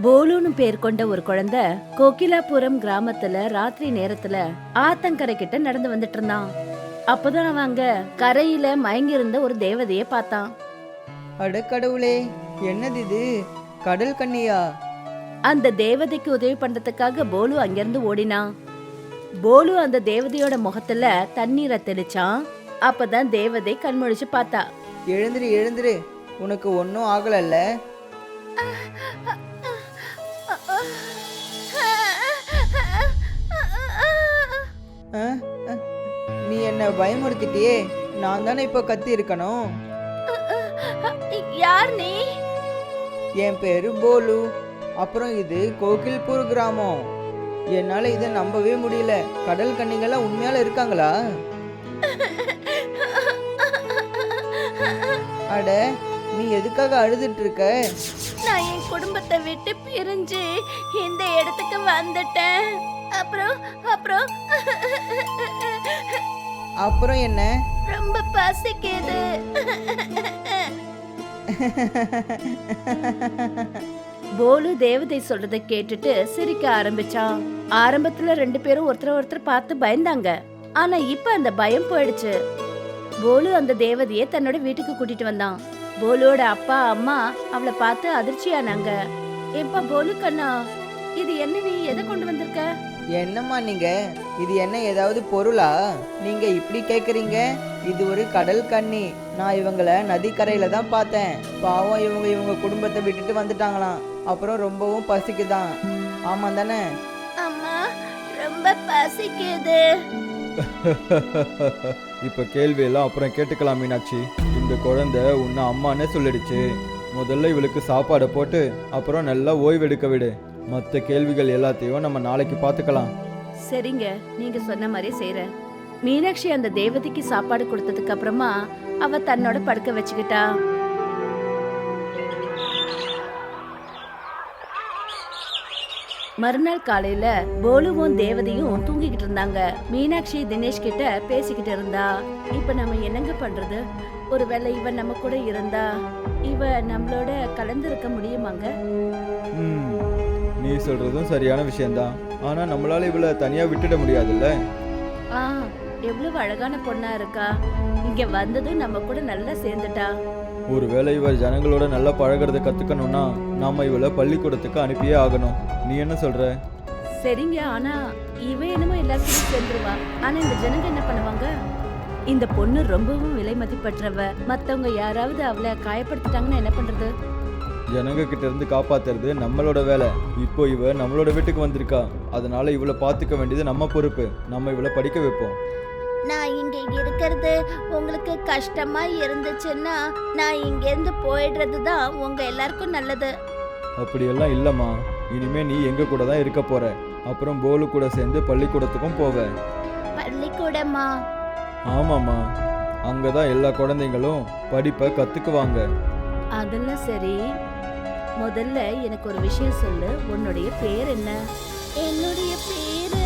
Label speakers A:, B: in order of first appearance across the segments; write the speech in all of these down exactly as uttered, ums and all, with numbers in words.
A: போலுன்னு பேர் கொண்ட ஒரு குழந்தை கோகிலாபுரம் கிராமத்துல ராத்திரி நேரத்துல ஆத்தங்கரை கிட்ட நடந்து வந்துட்டு இருந்தான். அப்பதான் அவன் அங்க கரையில மயங்கி இருந்த ஒரு தேவதைய பார்த்தான்.
B: அட கடவுளே, என்னது இது? கடல் கன்னியா?
A: அந்த தேவதைக்கு உதவி பண்றதுக்காக போலு அங்கிருந்து ஓடினான். போலு அந்த தேவதையோட முகத்துல தண்ணீரை தெளிச்சான். அப்பதான் தேவதை கண்முழிச்சு பார்த்தா.
B: எழுந்திரு எழுந்திரு, உனக்கு ஒன்னும் ஆகலல்ல? அஹ், அஹ், நீ என்ன பயமுறுத்திட்டியே. நான் தானே இப்போ கத்தி இருக்கணும்.
A: யார் நீ?
B: என் பேரு போலு. அப்புறம் இது கோகில்பூர் கிராமம். என்னால இதை நம்பவே முடியல. கடல் கன்னிகள்லாம் உண்மையால இருக்காங்களா? அட, நீ எதுக்காக அழுதுட்டு இருக்க?
A: நான் என் குடும்பத்தை விட்டு பிரிஞ்சு இந்த இடத்துக்கு வந்துட்டேன். அப்புறம் அப்புறம்
B: அப்புறம் என்ன?
A: ரொம்ப பசிக்குது. போலு தேவதை சொல்றதை கேட்டுட்டு சிரிக்க ஆரம்பிச்சான். ஆரம்பத்துல ரெண்டு பேரும் ஒருத்தர் ஒருத்தர் பார்த்து பயந்தாங்க. ஆனா இப்ப அந்த பயம் போயிடுச்சு. போலு அந்த தேவதைய தன்னோட வீட்டுக்கு கூட்டிட்டு வந்தான். போலுவோட அப்பா அம்மா அவளை பார்த்து அதிர்ச்சியானாங்க. எப்பா போலு கண்ணா, இது என்ன, நீ எதை கொண்டு வந்திருக்க?
B: என்னம்மா நீங்க, இது என்ன ஏதாவது பொருளா? நீங்க இப்படி கேக்குறீங்க? இது ஒரு கடல் கன்னி. நான் இவங்களை நதிக்கரையில தான் பார்த்தேன். பாவம், இவங்க இவங்க குடும்பத்தை விட்டுட்டு வந்துட்டாங்களாம். அப்புறம் ரொம்பவும் பசிக்குதான். ஆமா தானே?
A: அம்மா, ரொம்ப பசிக்குது.
C: இப்ப கேள்வியெல்லாம் அப்புறம் கேட்டுக்கலாம் மீனாட்சி. இந்த குழந்தை உன்னை அம்மானே சொல்லிடுச்சு. முதல்ல இவளுக்கு சாப்பாடை போட்டு அப்புறம் நல்லா ஓய்வெடுக்க விடு. மற்ற கேள்விகள் எல்லாத்தையும் நம்ம நாளைக்கு பார்த்துக்கலாம்.
A: சரிங்க, நீங்க சொன்ன மாதிரி செய்றேன். மீனாட்சி அந்த தேவதைக்கு சாப்பாடு கொடுத்ததுக்கு அப்புறமா அவ தன்னோட படுக்க வச்சுக்கிட்டா. மறுநாள் காலையில போலுவும் தேவதையும் தூங்கிக்கிட்டு இருந்தாங்க. மீனாட்சி தினேஷ் கிட்ட பேசிக்கிட்டு இருந்தா. இப்ப நம்ம என்னங்க பண்றது? ஒருவேளை இவ நம்ம கூட இருந்தா இவ நம்மளோட கலந்திருக்க முடியுமாங்க?
C: ம், நீ சொல்றதும் சரியான விஷயம்தான். ஆனா நம்மளால இவளை தனியா விட்டுட முடியாதுல்ல.
A: ஆ, எவ்வளவு அழகான பொண்ணா இருக்கா. இங்க வந்ததும் நம்ம கூட நல்லா சேர்ந்துட்டா.
C: ஒருவேளை இவ ஜனங்களோட நல்லா பழகிறத கத்துக்கணும்னா நாம இவளை பள்ளிக்கூடத்துக்கு அனுப்பியே ஆகணும். நீ என்ன சொல்ற?
A: சரிங்க, ஆனா இவ என்னமோ எல்லாத்தையும் சேர்ந்துருவா. ஆனா இந்த ஜனங்க என்ன பண்ணுவாங்க? இந்த பொண்ணு ரொம்பவும் விலை மதிப்பற்றவ. மத்தவங்க யாராவது அவளை காயப்படுத்திட்டாங்கன்னா என்ன பண்றது?
C: ஜனங்க கிட்ட இருந்து காப்பாத்துறது நம்மளோட வேலை. இப்போ இவ நம்மளோட வீட்டுக்கு வந்திருக்கா. அதனால இவளை பாத்துக்க வேண்டியது நம்ம பொறுப்பு. நம்ம இவளை படிக்க வைப்போம்.
A: நான் இங்க இருக்கிறது உங்களுக்கு கஷ்டமா இருந்துச்சுன்னா நான் இங்க இருந்து போயிடுறது தான் உங்க எல்லாருக்கும் நல்லது.
C: அப்படியெல்லாம் இல்லம்மா. இனிமே நீ எங்க கூட தான் இருக்க போற. அப்புறம் போலு கூட சேர்ந்து பள்ளிக்கூடத்துக்கும் போவ.
A: பள்ளிக்கூடமா?
C: ஆமாம்மா, அங்கதான் எல்லா குழந்தைங்களும் படிப்பை கத்துக்குவாங்க.
A: அதெல்லாம் சரி. முதல்ல எனக்கு ஒரு விஷயம் சொல்லு. உன்னுடைய பேர் என்ன? என்னுடைய பேரு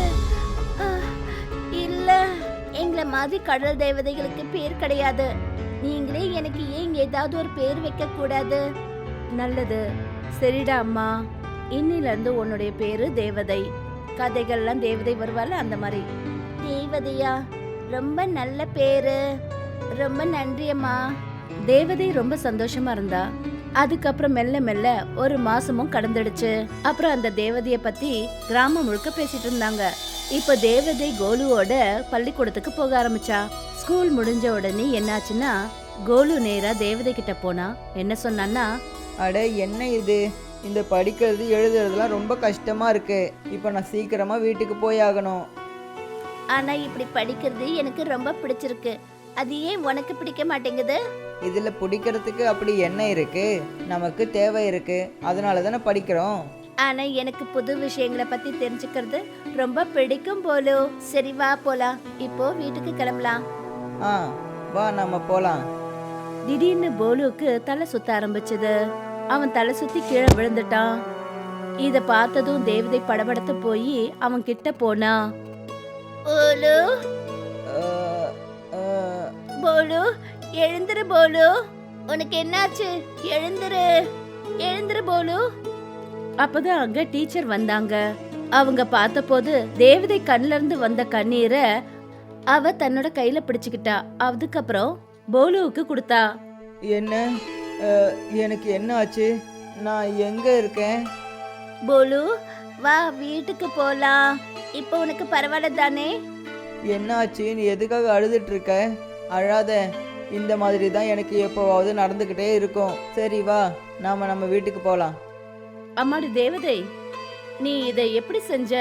A: இல்ல, எங்களை மாதிரி கடல் தேவதைகளுக்கு பேர் கிடையாது. நீங்களே எனக்கு ஏன் ஏதாவது ஒரு பேர் வைக்க கூடாது? நல்லது, சரிடா அம்மா. இன்னில இருந்து உன்னுடைய பேரு தேவதை. கதைகள்லாம் தேவதை வருவாள் அந்த மாதிரி. தேவதையா? ரொம்ப நல்ல பேரு. ரொம்ப நன்றி அம்மா. தேவதை ரொம்ப சந்தோஷமா இருந்தா. அதுக்கப்புறம் மெல்ல மெல்ல ஒரு மாசமும் கடந்துடுச்சு. அப்புறம் அந்த தேவதைய பத்தி கிராமம் முழுக்க பேசிட்டு இருந்தாங்க. இப்ப தேவதை கோலுவோட பள்ளிக்கூடத்துக்கு போக ஆரம்பிச்சா. ஸ்கூல் முடிஞ்ச உடனே என்னாச்சுன்னா கோலு நேரா தேவதை கிட்ட போனா. என்ன சொன்னான்னா,
B: அட, என்ன இது? இந்த படிக்கிறது எழுதுறதுலாம் ரொம்ப கஷ்டமா இருக்கு. இப்போ நான் சீக்கிரமா வீட்டுக்கு போய் ஆகணும்.
A: ஆனா இப்படி படிக்கிறது எனக்கு ரொம்ப பிடிச்சிருக்கு. அது ஏன் உனக்கு பிடிக்க மாட்டேங்குது?
B: இதுல பிடிக்கிறதுக்கு அப்படி என்ன இருக்கு? நமக்கு தேவை இருக்கு, அதனால தானே படிக்கிறோம்.
A: ஆனா எனக்கு புது விஷயங்களை பத்தி தெரிஞ்சுக்கிறது ரொம்ப பிடிக்கும் போலோ. சரி வா போலாம். இப்போ வீட்டுக்கு கிளம்பலாம்.
B: ஆ, வா நம்ம போலாம்.
A: திடீர்னு போலுவுக்கு தலை சுத்த ஆரம்பிச்சது. அவன் தலை சுத்தி கீழே விழுந்துட்டான். இத பார்த்ததும் தேவதை படபடத்து போய் அவன் கிட்ட போனா. போலு,
B: அஹ், அஹ்,
A: போலு, எழுந்துரு போலு. உனக்கு என்னாச்சு? எழுந்துரு, எழுந்துரு போலு. அப்பதான் அங்க டீச்சர் வந்தாங்க. அவங்க பார்த்தபோது தேவதை கண்ணுல இருந்து வந்த கண்ணீரை அவ தன்னோட கையில பிடிச்சுக்கிட்டா. அதுக்கப்புறம் போலுவுக்கு கொடுத்தா.
B: என்ன அஹ், எனக்கு என்ன ஆச்சு? நான் எங்க இருக்கேன்?
A: போலு, வா வீட்டுக்கு போலாம். இப்போ உனக்கு பரவாயில்ல தானே?
B: என்ன ஆச்சு? நீ எதுக்காக அழுதுட்டு இருக்க? அழாத. இந்த மாதிரி தான் எனக்கு எப்போவாவது நடந்துக்கிட்டே இருக்கும். சரி வா, நாம நம்ம வீட்டுக்கு போகலாம்.
A: அம்மாடி தேவதை, நீ இதை எப்படி செஞ்ச?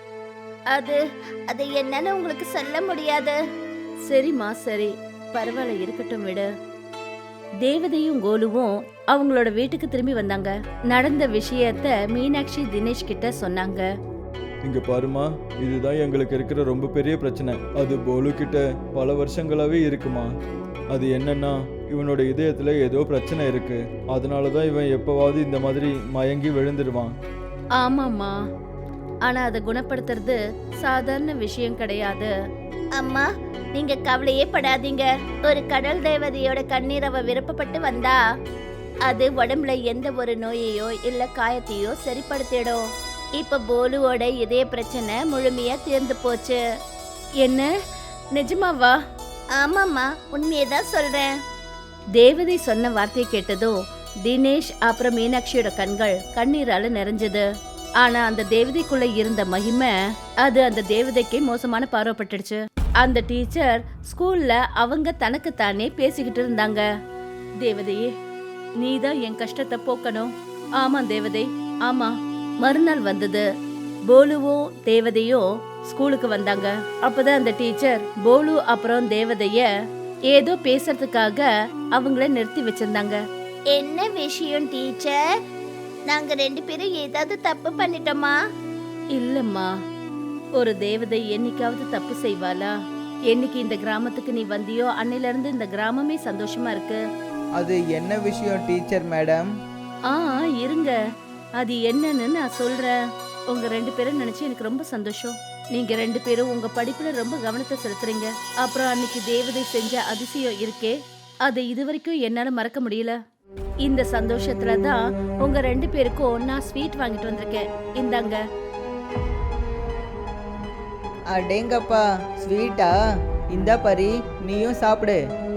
A: அது அது என்னன்னு உங்களுக்கு சொல்ல முடியாது. சரிம்மா, சரி, பரவாயில்ல, இருக்கட்டும், விடு. தேவதையும் கோலுவும் அவங்களோட வீட்டுக்கு திரும்பி வந்தாங்க. நடந்த விஷயத்த மீனாட்சி தினேஷ் கிட்ட சொன்னாங்க.
C: இங்க பாருமா, இதுதான் எங்களுக்கு இருக்கிற ரொம்ப பெரிய பிரச்சனை. அது போலு கிட்ட பல வருஷங்களாவே இருக்குமா. அது என்னன்னா, இவனோட இதயத்துல ஏதோ பிரச்சனை இருக்கு. அதனாலதான் இவன் எப்பவாவது இந்த மாதிரி மயங்கி விழுந்துடுவான்.
A: ஆமாம்மா, ஆனா அதை குணப்படுத்துறது சாதாரண விஷயம் கிடையாது. அம்மா, நீங்க கவலையே படாதீங்க. ஒரு கடல் தேவதையோட கண்ணீர் அவ விருப்பப்பட்டு வந்தா அது உடம்புல எந்த ஒரு நோயையோ இல்ல காயத்தையோ சரிப்படுத்திடும். இப்ப போலுவோட இதய பிரச்சனை முழுமையா தீர்ந்து போச்சு. என்ன, நிஜமாவா? ஆமாம்மா, உண்மையதான் சொல்றேன். தேவதை சொன்ன வார்த்தையை கேட்டதும் தினேஷ் அப்புறம் மீனாட்சியோட கண்கள் கண்ணீரால நிறைஞ்சது. ஆனா அந்த தேவதைக்குள்ள இருந்த மகிமை அது அந்த தேவதைக்கு மோசமான பார்வைப்பட்டுடுச்சு. அந்த டீச்சர் ஸ்கூல்ல அவங்க தனக்கு தானே பேசிக்கிட்டு இருந்தாங்க. தேவதையே, நீதான் என் கஷ்டத்தை போக்கணும். ஆமா தேவதை, ஆமா. மறுநாள் வந்தது. போலுவும் தேவதையும் ஸ்கூலுக்கு வந்தாங்க. அப்பதான் அந்த டீச்சர் போலு அப்புறம் தேவதைய ஏதோ பேசுறதுக்காக அவங்கள நிறுத்தி வச்சிருந்தாங்க. என்ன விஷயம் டீச்சர்? நாங்க ரெண்டு பேரும் ஏதாவது தப்பு பண்ணிட்டோமா? இல்லம்மா, ஒரு தேவதை என்னைக்காவது தப்பு செய்வாளா? என்னைக்கு இந்த கிராமத்துக்கு நீ வந்தியோ அன்னையில இருந்து இந்த கிராமமே சந்தோஷமா இருக்கு.
B: அது என்ன விஷயம் டீச்சர் மேடம்?
A: ஆ இருங்க, அது என்னன்னு நான் சொல்றேன். உங்க ரெண்டு பேரும் நினைச்சு எனக்கு ரொம்ப சந்தோஷம். நீங்க ரெண்டு பேரும் உங்க படிப்புல ரொம்ப கவனத்தை செலுத்துறீங்க. அப்புறம் அன்னைக்கு தேவதை செஞ்ச அதிசயம் இருக்கே, அதை இதுவரைக்கும் என்னால மறக்க முடியல. இந்த சந்தோஷத்துல தான் உங்க ரெண்டு பேருக்கும் நான் ஸ்வீட் வாங்கிட்டு வந்திருக்கேன். இந்தாங்க.
B: அடேங்கப்பா, ஸ்வீட்டா? இந்தா பரி, நீயும் சாப்பிடு.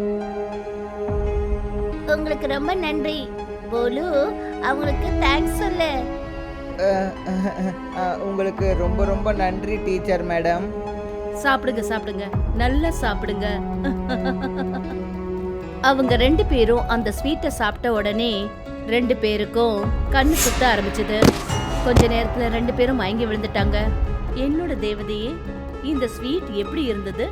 A: உங்களுக்கு ரொம்ப நன்றி. போலு, அவங்களுக்கு தேங்க்ஸ் சொல்லு.
B: அஹ், அஹ், அஹ், உங்களுக்கு ரொம்ப ரொம்ப நன்றி டீச்சர் மேடம்.
A: சாப்பிடுங்க சாப்பிடுங்க, நல்லா சாப்பிடுங்க. அவங்க ரெண்டு பேரும் அந்த ஸ்வீட்டை சாப்பிட்ட உடனே ரெண்டு பேருக்கும் கண்ணு சுத்த ஆரம்பிச்சது. கொஞ்ச நேரத்துல ரெண்டு பேரும் மயங்கி விழுந்துட்டாங்க. என்னோட தேவதையே, இந்த ஸ்வீட் எப்படி இருந்தது?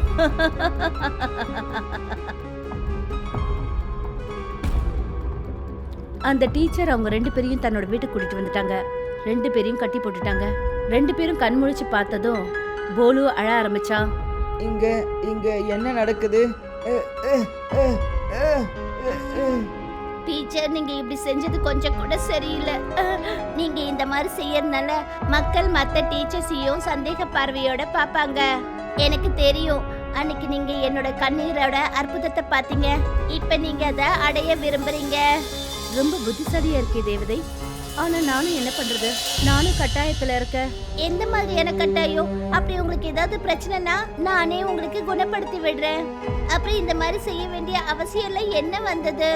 A: அந்த டீச்சர் அவங்க ரெண்டு பேரையும் தன்னோட வீட்டுக்கு கூட்டிட்டு வந்துட்டாங்க. ரெண்டு பேரையும் கட்டி போட்டுட்டாங்க. ரெண்டு பேரும் கண் முழிச்சு பார்த்ததும் போலு அழ ஆரம்பிச்சா.
B: இங்க இங்க என்ன நடக்குது? அஹ், அஹ், அஹ், அஹ், அஹ், அஹ்.
A: டீச்சர், நீங்க இப்படி செஞ்சது கொஞ்சம் கூட சரியில்லை. நீங்க இந்த மாதிரி செய்யறதுனால மக்கள் மத்த டீச்சர்ஸையும் சந்தேக பார்வையோட பாப்பாங்க. எனக்கு தெரியும், அன்னைக்கு நீங்க என்னோட கண்ணீரோட அற்புதத்தை பாத்தீங்க. இப்ப நீங்க அதை அடைய விரும்புறீங்க. ரொம்ப புத்திசாலியா இருக்கே தேவதை. ஆனா நானும் என்ன பண்றது? நானும் கட்டாயத்துல இருக்கேன். எந்த மாதிரியான கட்டாயம்? அப்படி உங்களுக்கு ஏதாவது பிரச்சனைனா நானே உங்களுக்கு குணப்படுத்தி விடுறேன். அப்படி இந்த மாதிரி செய்ய வேண்டிய அவசியம் எல்லாம் என்ன வந்தது?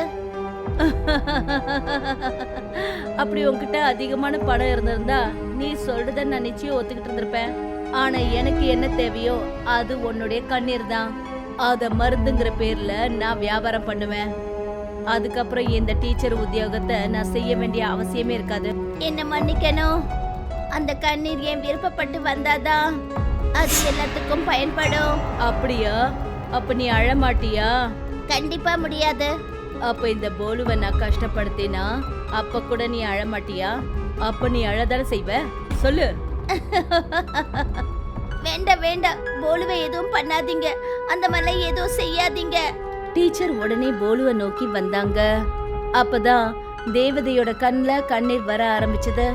A: அப்படி உன்கிட்ட அதிகமான பணம் இருந்திருந்தா நீ சொல்றத நான் நிச்சயம் ஒத்துக்கிட்டு இருந்திருப்பேன். ஆனா எனக்கு என்ன தேவையோ அது உன்னுடைய கண்ணீர் தான். அத மருந்துங்கிற பேர்ல நான் வியாபாரம் பண்ணுவேன். அதுக்கப்புறம் இந்த டீச்சர் உத்தியோகத்தை நான் செய்ய வேண்டிய அவசியமே இருக்காது. என்ன மன்னிக்கணும். அந்த கண்ணீர் என் விருப்பப்பட்டு வந்தாதான் அது எல்லாத்துக்கும் பயன்படும். அப்படியா? அப்ப நீ அழ மாட்டியா? கண்டிப்பா முடியாது. அப்ப இந்த போலுவை நான் கஷ்டப்படுத்தினா அப்ப கூட நீ அழ மாட்டியா? அப்ப நீ அழதான செய்வ? சொல்லு. வேண்டாம் வேண்டாம், போலுவை எதுவும் பண்ணாதீங்க. அந்த மாதிரி எதுவும் செய்யாதீங்க. டீச்சர் உடனே போலுவை நோக்கி வந்தாங்க. அப்பதான் தேவதையோட கண்ணுல கண்ணீர் வர ஆரம்பிச்சது.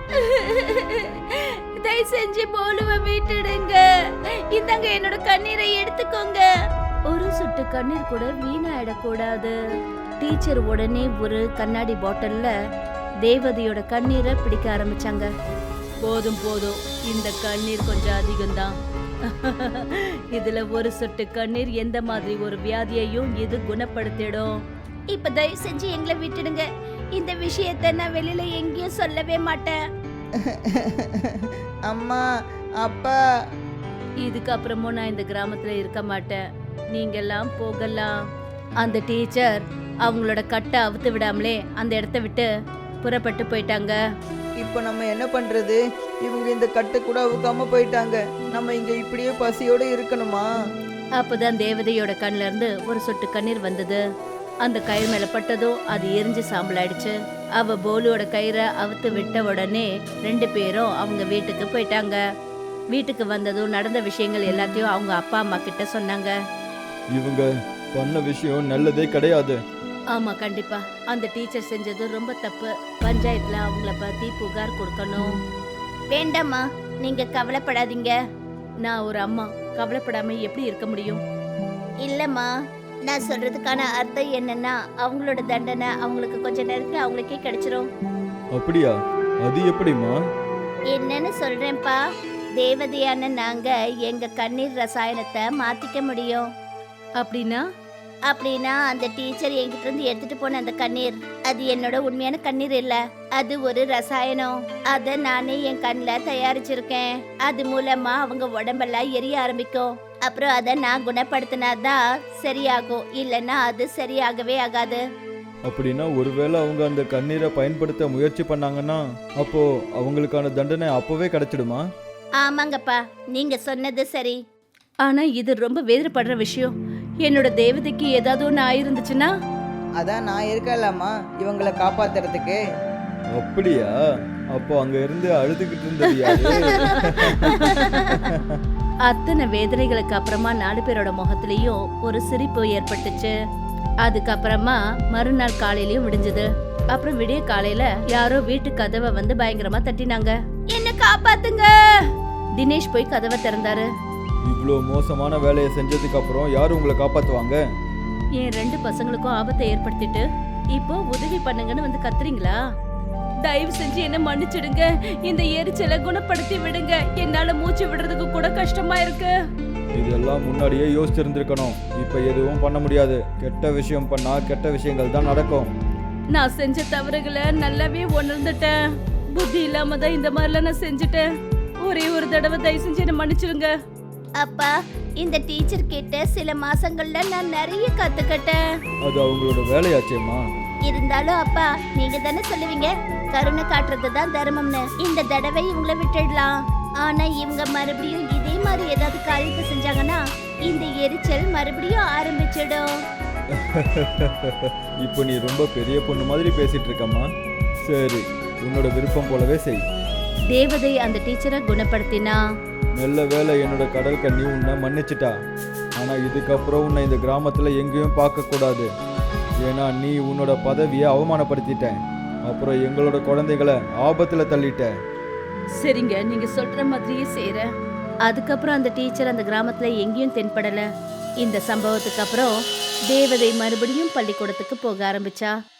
A: தயவு செஞ்சு போலுவை விட்டுடுங்க. இந்தாங்க என்னோட கண்ணீரை எடுத்துக்கோங்க. ஒரு சொட்டு கண்ணீர் கூட வீணாயிடக்கூடாது. டீச்சர் உடனே ஒரு கண்ணாடி பாட்டில்ல தேவதையோட கண்ணீரை பிடிக்க ஆரம்பிச்சாங்க. போதும் போதும், இந்த கண்ணீர் கொஞ்சம் அதிகம்தான். இதுல ஒரு சொட்டு கண்ணீர் எந்த மாதிரி ஒரு வியாதியையும் இது குணப்படுத்திடும். இப்ப தயவு செஞ்சு எங்களை விட்டுடுங்க. இந்த விஷயத்த நான் வெளியில எங்கேயும் சொல்லவே மாட்டேன்.
B: அம்மா, அப்பா.
A: இதுக்கப்புறமும் நான் இந்த கிராமத்துல இருக்க மாட்டேன். நீங்கெல்லாம் போகலாம். அந்த டீச்சர் அவங்களோட கட்டை அவுத்து விடாமலே அந்த இடத்த விட்டு புறப்பட்டு போயிட்டாங்க.
B: இப்போ நம்ம என்ன பண்றது? இவங்க இந்த கட்டை கூட அவுக்காம போயிட்டாங்க. நம்ம இங்க இப்படியே பசியோட இருக்கணுமா?
A: அப்பதான் தேவதையோட கண்ணுல இருந்து ஒரு சொட்டு கண்ணீர் வந்தது. அந்த கயிறு மேல பட்டதும் அது எரிஞ்சு சாம்பல் ஆயிடுச்சு. அவ போலுவோட கயிறை அவுத்து விட்ட உடனே ரெண்டு பேரும் அவங்க வீட்டுக்கு போயிட்டாங்க. வீட்டுக்கு வந்ததும் நடந்த விஷயங்கள் எல்லாத்தையும் அவங்க அப்பா அம்மா கிட்ட சொன்னாங்க.
C: இவங்க பண்ண விஷயம் நல்லதே கிடையாது.
A: ஆமா, கண்டிப்பா அந்த டீச்சர் செஞ்சது ரொம்ப தப்பு. பஞ்சாயத்துல அவங்கள பத்தி புகார் கொடுக்கணும். வேண்டாம்மா, நீங்க கவலைப்படாதீங்க. நான் ஒரு அம்மா, கவலைப்படாம எப்படி இருக்க முடியும்? இல்லம்மா, நான் சொல்றதுக்கான அர்த்தம் என்னன்னா அவங்களோட தண்டனை அவங்களுக்கு கொஞ்ச நேரத்துல அவங்களுக்கே கிடைச்சிரும்.
C: அப்படியா? அது எப்படிம்மா?
A: என்னன்னு சொல்றேன்ப்பா. தேவதையான நாங்க எங்க கண்ணீர் ரசாயனத்தை மாத்திக்க முடியும். அப்படின்னா? அப்படின்னா அந்த டீச்சர் என்கிட்ட இருந்து எடுத்துட்டு போன அந்த கண்ணீர், அது என்னோட உண்மையான கண்ணீர் இல்ல. அது ஒரு ரசாயனம். அத நானே என் கண்ணில் தயாரிச்சிருக்கேன். அது மூலமா அவங்க உடம்பெல்லாம் எரிய ஆரம்பிக்கும். அப்புறம் அதை நான் குணப்படுத்தினாதான் சரியாகும். இல்லைன்னா அது சரியாகவே ஆகாது.
C: அப்படின்னா ஒருவேளை அவங்க அந்த கண்ணீரை பயன்படுத்த முயற்சி பண்ணாங்கன்னா அப்போ அவங்களுக்கான தண்டனை அப்பவே கிடைச்சிடுமா?
A: ஆமாங்கப்பா, நீங்க சொன்னது சரி. ஆனா இது ரொம்ப வேதனைப்படுற விஷயம். என்னோட தேவதைக்கு ஏதாவது ஒன்று ஆயிருந்துச்சுன்னா?
B: அதான் நான் இருக்கலாமா இவங்களை காப்பாத்துறதுக்கு.
C: அப்படியா? அப்போ அங்க இருந்து அழுதுகிட்டு இருந்தது யாரு?
A: அத்தனை வேதனைகளுக்கு அப்புறமா நாலு பேரோட முகத்திலையும் ஒரு சிரிப்பு ஏற்பட்டுச்சு. அதுக்கப்புறமா மறுநாள் காலையிலயும் விடிஞ்சது. அப்புறம் விடிய காலையில யாரோ வீட்டு கதவை வந்து பயங்கரமா தட்டினாங்க. என்ன காப்பாத்துங்க! தினேஷ் போய் கதவை திறந்தாரு.
C: இவ்வளோ மோசமான வேலையை செஞ்சதுக்கு அப்புறம் யார் உங்களை காப்பாத்துவாங்க?
A: என் ரெண்டு பசங்களுக்கும் ஆபத்தை ஏற்படுத்திட்டு இப்போ உதவி பண்ணுங்கன்னு வந்து கத்துறீங்களா? தயவு செஞ்சு என்ன மன்னிச்சிடுங்க. இந்த எரிச்சலை குணப்படுத்தி விடுங்க. என்னால மூச்சு விடுறதுக்கு கூட கஷ்டமா இருக்கு.
C: இதெல்லாம் முன்னாடியே யோசிச்சிருந்திருக்கணும். இப்போ எதுவும் பண்ண முடியாது. கெட்ட விஷயம் பண்ணா கெட்ட விஷயங்கள் தான் நடக்கும்.
A: நான் செஞ்ச தவறுகளை நல்லாவே உணர்ந்துட்டேன். புத்தி இல்லாம தான் இந்த மாதிரிலாம் நான் செஞ்சுட்டேன். ஒரே ஒரு தடவை தயவு செஞ்சு என்ன மன்னிச்சிடுங்க. அப்பா, இந்த டீச்சர் கிட்ட சில மாசங்கள்ல நான் நிறைய கத்துக்கிட்டேன்.
C: அது அவங்களோட வேலையாச்சேம்மா.
A: இருந்தாலும் அப்பா, நீங்க தானே சொல்லுவீங்க கருணை காட்டுறது தான் தர்மம்னு. இந்த தடவை இவங்கள விட்டுடலாம். ஆனா இவங்க மறுபடியும் இதே மாதிரி ஏதாவது காரியத்தை செஞ்சாங்கன்னா இந்த எரிச்சல் மறுபடியும் ஆரம்பிச்சிடும்.
C: இப்போ நீ ரொம்ப பெரிய பொண்ணு மாதிரி பேசிட்டு இருக்கம்மா. சரி, உன்னோட விருப்பம் போலவே செய்.
A: தேவதை அந்த டீச்சரை குணப்படுத்தினா.
C: நல்ல வேலை என்னோட கடல் கண்ணி உன்னை மன்னிச்சிட்டா. ஆனால் இதுக்கப்புறம் உன்னை இந்த கிராமத்தில் எங்கேயும் பார்க்கக்கூடாது. ஏன்னா நீ உன்னோட பதவியை அவமானப்படுத்திட்ட. அப்புறம் எங்களோட குழந்தைகளை ஆபத்தில் தள்ளிட்ட.
A: சரிங்க, நீங்க சொல்ற மாதிரியே செய்யறேன். அதுக்கப்புறம் அந்த டீச்சர் அந்த கிராமத்துல எங்கேயும் தென்படல. இந்த சம்பவத்துக்கு அப்புறம் தேவதை மறுபடியும் பள்ளிக்கூடத்துக்கு போக ஆரம்பிச்சா.